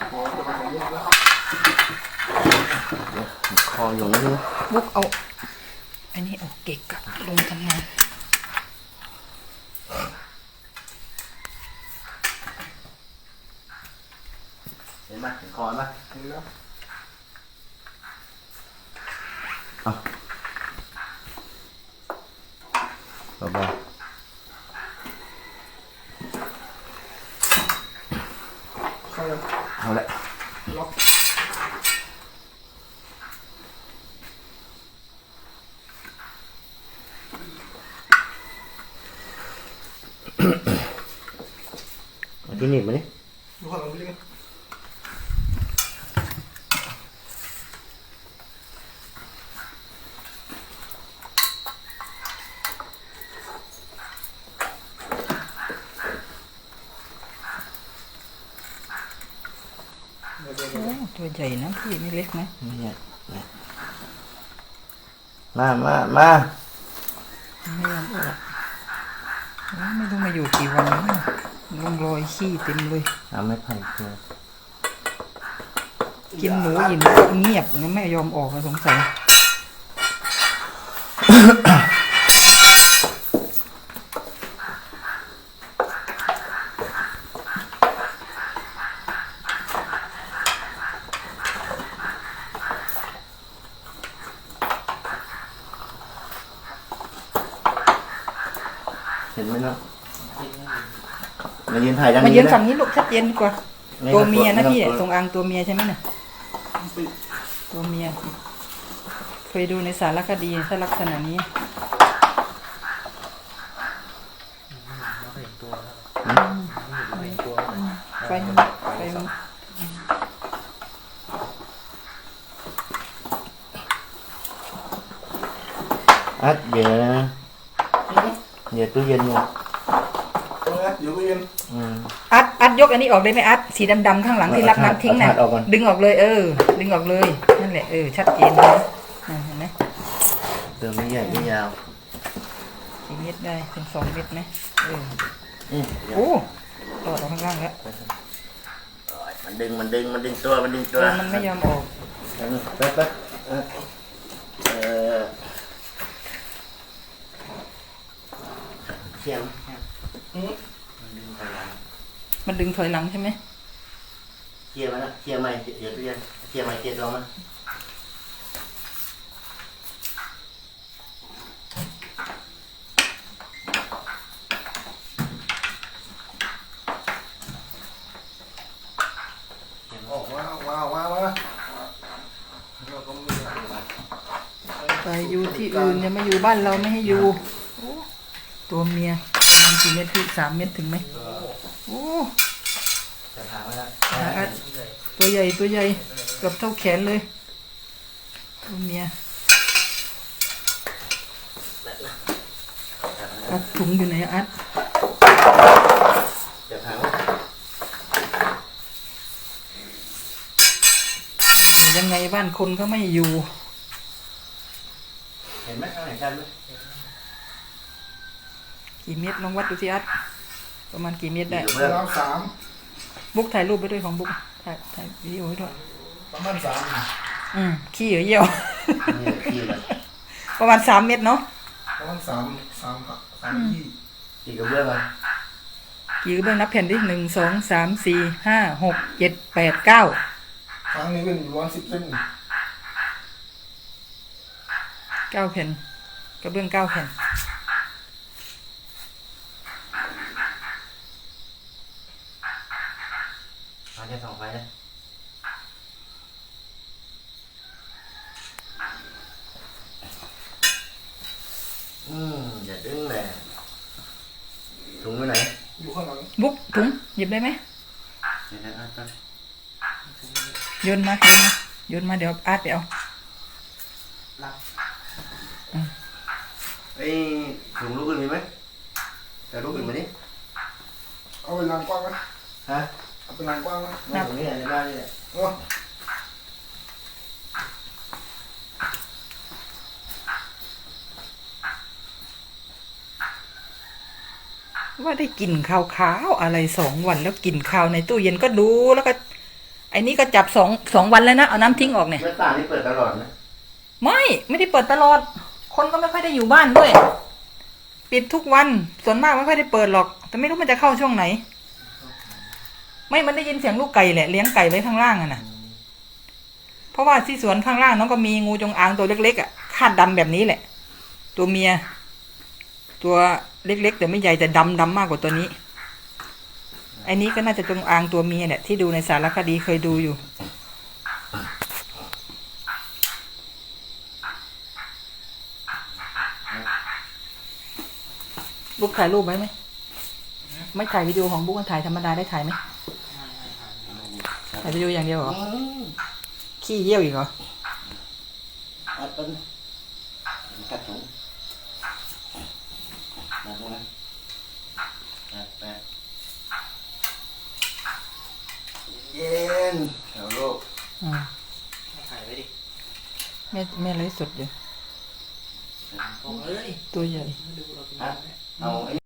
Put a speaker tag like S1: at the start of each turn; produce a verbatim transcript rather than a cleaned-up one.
S1: คออยู่นี่
S2: บุกเอาอันนี้ออกเก็กกับลงทำงาน
S1: เห็นไหมเห็นคอไหมเห็นแล้วเอาเบาๆเอาละล็อกมาที่นี่มาดิดูข้างหลังไปเลย
S2: โอ้ตัวใหญ่นะพี่ไม่เล็กนะ
S1: ไม่ใหญ่มามามา
S2: ไม่ยอมออกไม่รู้มาอยู่กี่วันแล้วลงรอยขี้เต็มเลย
S1: เอาไม่ไผ่เกลือ
S2: กินหนูยินเงียบนะไม่ยอมออกสงสัย
S1: เห็นไหมเนาะมายืนถ่ายด้านนี้
S2: มายืนฝั่งนี้ลูกชัดเจนดีกว่าตัวเมียนะพี่ตรงอ่างตัวเมียใช่ไหมเนี่ยตัวเมียเคยดูในสารคดีถ้าลักษณะนี้ไฟไฟ
S1: อัดเดี๋ยวนะเดี๋ยวตู้เย็นเนี่ย
S3: เดี๋ยวตู้เย็น
S2: อัดอัดยกอันนี้ออกได้ไหมอัดสีดำๆข้างหลังที่รับน้ำทิ้งน่ะดึงออกเลยเออดึงออกเลยนั่นแหละเออชัดเจนเลยเห็นไหม
S1: เติมไม่ใหญ่ไม่ยาว
S2: กี่เม็ดได้ถึงสองเม็ดไหมเออโอ้ต่อออกข้างล่างแล้ว
S1: มันดึงมันดึงมันดึงตัวมันดึงตัว
S2: มันไม่ยอมออก
S1: แป๊บแป๊บเออเขียม
S2: มันดึงถอยหลังใช่ไหม
S1: เคลียร์มันนะเคลียร์ใหม่เดี๋ยวตู้เย็นเคลียร์ใหม่เคลียร์ตัวมัน
S3: ออกมาว้าวว้าวว้าว
S2: ไปอยู่ที่อื่นอย่ามาอยู่บ้านเราไม่ให้อยู่ตัวเมียมันกี่เม็ดพี่สามเม็ดถึงไหมโอ้ตัวใหญ่ตัวใหญ่เกือบเท่าแขนเลยตัวเมียอัดถุงอยู่ไหนอัดยังไงบ้านคนก็ไม่อยู่
S1: เห็นไหมข้างไหนชันไหม
S2: กี่เม็ดลองวัดดูสิอัดประมาณกี่เม็ดได้
S3: ประมาณสาม
S2: บุ๊กถ่ายรูปไปด้วยของบุ๊กถ่ายถ่ายวิดีโอไว้ด้วย
S3: ประมาณสาม
S2: อืมขี้เหรอเยี่ยวประมาณสามเม็ดเนาะ
S3: ประมาณสามสามสามยี่
S1: กี่กระเบื้องอ่ะ
S2: กี่กระเบื้องนับแผ่นดิหนึ่งสองสามสี่ห้าหกเจ็ดแปดเก้า
S3: ครั้งนี้เป็นร้อยสิบเส้น
S2: เก้าแผ่นกระเบื้องเก้าแผ่น
S1: เอาแค่สองไฟนะอืมอย่าดึงเลยถุงไว้ไหน
S3: อยู่ข้างหลัง
S2: บุ๊กถุงหยิบได้ไหม
S1: เดี๋ยวนะอาร์ต
S2: โยนมาโยนมาเดี๋ยวอาร์ตไปเอา
S1: ไอ้ถุงลูกอื่นมีไหมแต่ลูกอื่นมาดิ
S3: เอาไปล้างกว้างไหม
S1: ฮะ
S3: เอาไปล้างกว้างไหม
S1: ตรงนี้ในบ้านนี่แหละ
S2: ว่าได้กลิ่นขาวๆอะไรสองวันแล้วกลิ่นขาวในตู้เย็นก็ดูแล้วก็ไออ้นี่ก็จับสองสองวันแล้วนะเอาน้ำทิ้งออกเนี่ย
S1: หน้าต่างนี่เปิดตลอดนะ
S2: ไม่ไม่ได้เปิดตลอด คนก็ไม่ค่อยได้อยู่บ้านด้วย ปิดทุกวันส่วนมากไม่ค่อยได้เปิดหรอก แต่ไม่รู้มันจะเข้าช่วงไหน ไม่มันได้ยินเสียงลูกไก่แหละเลี้ยงไก่ไว้ข้างล่างอะนะเพราะว่าที่สวนข้างล่างน้องก็มีงูจงอางตัวเล็กๆอ่ะคาดดำแบบนี้แหละ ตัวเมีย ตัวเล็กๆแต่ไม่ใหญ่แต่ดำดำมากกว่าตัวนี้ไอ้นี้ก็น่าจะจงอางตัวเมียเนี่ยที่ดูในสารคดีเคยดูอยู่บุ๊กถ่ายรูปไว้ไหมไม่ถ่ายวิดีโอของบุ๊กถ่ายธรรมดาได้ถ่ายไหมถ่ายวิดีโออย่างเดียวเหรอขี้เยี่ยวอีกเหรอ
S1: อัดต้นกัดถุงมาตรงนั้นแปะแปะเย็นเอาลูก
S2: อืม
S4: ถ่ายไว้ดิ
S2: แม่แม่ไลฟ์สดอยู่
S4: บอกเลย
S2: ตัวใหญ่
S4: ดูเราเป็น
S1: ฮะเอาไอ้